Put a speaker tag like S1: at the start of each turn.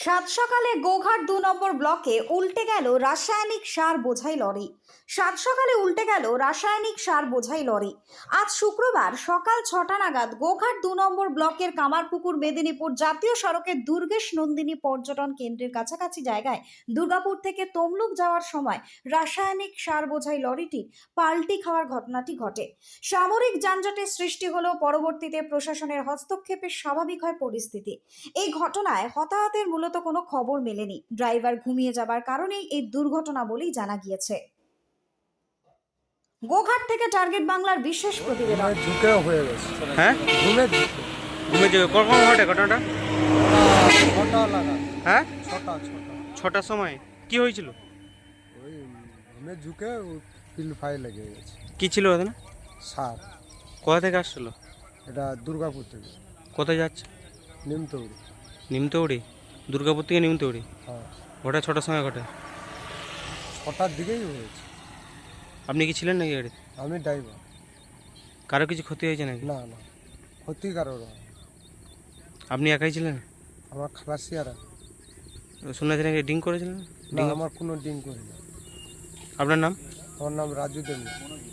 S1: সাত সকালে গোঘাট ২ নম্বর ব্লকে উল্টে গেল রাসায়নিক সার বোঝাই লরি। সাত সকালে উল্টে গেল রাসায়নিক সার বোঝাই লরি। আজ শুক্রবার সকাল ৬টা নাগাদ গোঘাট ২ নম্বর ব্লকের কামারপুকুর মেদিনীপুর জাতীয় সড়কের দুর্গেশ নন্দিনী পর্যটন কেন্দ্রের কাছাকাছি জায়গায় দুর্গাপুর থেকে তমলুক যাওয়ার সময় রাসায়নিক সার বোঝাই লরিটি পাল্টি খাওয়ার ঘটনাটি ঘটে। সামরিক যানজটের সৃষ্টি হলেও পরবর্তীতে প্রশাসনের হস্তক্ষেপে স্বাভাবিক হয় পরিস্থিতি। এই ঘটনায় হতাহতের মূলত কোনো খবর মেলেনি। ড্রাইভার ঘুমিয়ে যাবার কারণেই এই দুর্ঘটনা বলেই জানা গিয়েছে। গোঘাট থেকে টার্গেট বাংলার বিশেষ প্রতিবেদন।
S2: ঝুঁকেও হয়ে গেছে।
S3: হ্যাঁ
S2: ঘুমে
S3: ঘুমে যাবে কখন ঘটে ঘটনাটা?
S2: ছটা লাগা।
S3: হ্যাঁ
S2: ছটা
S3: 6টার সময় কি হয়েছিল?
S2: ওই ঘুমে ঝুঁকে পিলফাই লেগে গেছে।
S3: কি ছিল ওখানে?
S2: সার।
S3: কোথা থেকে আসছিল?
S2: এটা দুর্গাপুর থেকে
S3: কোথায় যাচ্ছে?
S2: নিমতৌড়ি।
S3: নিমতৌড়ি? দুর্গাপুর থেকে নিমতৌড়ি?
S2: হ্যাঁ,
S3: ঘটা 6টার সময় ঘটে।
S2: ছটার দিকেই হয়েছে।
S3: আপনি কি ছিলেন নাকি গাড়ি?
S2: আমি ড্রাইভার।
S3: কারো কিছু ক্ষতি হয়েছে নাকি?
S2: না না, ক্ষতিকারক না।
S3: আপনি একাই ছিলেন?
S2: আমার খালাসিয়ারা।
S3: শুনেছি নাকি ড্রিঙ্ক করেছিলেন?
S2: না, আমার কোনো ডিং করি না।
S3: আপনার নাম?
S2: আমার নাম রাজু দেবী।